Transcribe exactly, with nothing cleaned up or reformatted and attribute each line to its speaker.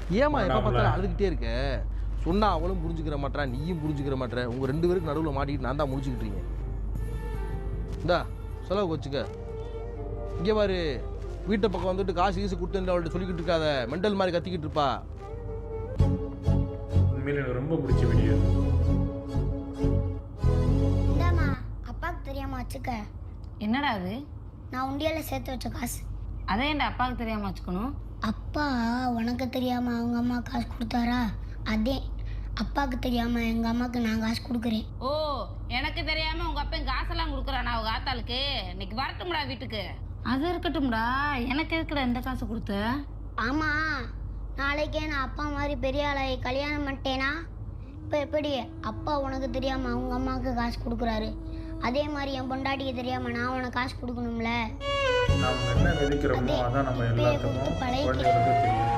Speaker 1: ஏமா எப்போ பார்த்தாலும் அழுதுகிட்டே இருக்க? சொன்னா அவளும் புரிஞ்சுக்கிற மாட்டா, நீயும் புரிஞ்சுக்கிற மாட்டேற. உங்க ரெண்டு பேருக்கு நடுவில் மாட்டிக்கிட்டு நான் தான் முடிச்சுக்கிட்டீங்க. இந்தா செலவுக்கு வச்சுக்க. இங்கே பாரு, வீட்டை பக்கம் வந்துட்டு காசு கீசு கொடுத்து அவள்கிட்ட சொல்லிக்கிட்டு இருக்காத. மெண்டல் மாதிரி கத்திக்கிட்டு இருப்பா.
Speaker 2: உண்மையில எனக்கு ரொம்ப பிடிச்ச வீடியோ.
Speaker 3: இந்தாம்மா, அப்பாவுக்கு தெரியாம வச்சுக்க.
Speaker 4: என்னடா அது?
Speaker 3: நான் உண்டியால சேர்த்து வச்ச காசு.
Speaker 4: அதே என் அப்பாவுக்கு தெரியாம வச்சுக்கணும்.
Speaker 3: அப்பா உனக்கு தெரியாம அவங்க அம்மா காசு கொடுத்தாரா? அதே அப்பாவுக்கு தெரியாம எங்க அம்மாவுக்கு நான் காசு கொடுக்குறேன்.
Speaker 4: ஓ, எனக்கு தெரியாம உங்க அப்பா காசெல்லாம் கொடுக்குறானா அவங்க ஆத்தாளுக்கு? இன்னைக்கு வரட்டும்டா வீட்டுக்கு. அது இருக்கட்டும்டா, எனக்கு எதுக்குடா இந்த காசு கொடுத்த?
Speaker 3: ஆமா, நாளைக்கே நான் அப்பா மாதிரி பெரிய ஆளாகி கல்யாணம் பண்ணிட்டேனா இப்போ எப்படி அப்பா உனக்கு தெரியாம அவங்க அம்மாவுக்கு காசு கொடுக்குறாரு, அதே மாதிரி என் பொண்டாட்டிக்கு தெரியாம நான் உனக்கு காசு கொடுக்கணும்ல.
Speaker 2: நம்ம என்ன விதைக்கிறோமோ அதான் நம்ம எல்லாத்துக்கும் குழந்தைகளுக்கு தெரியும்.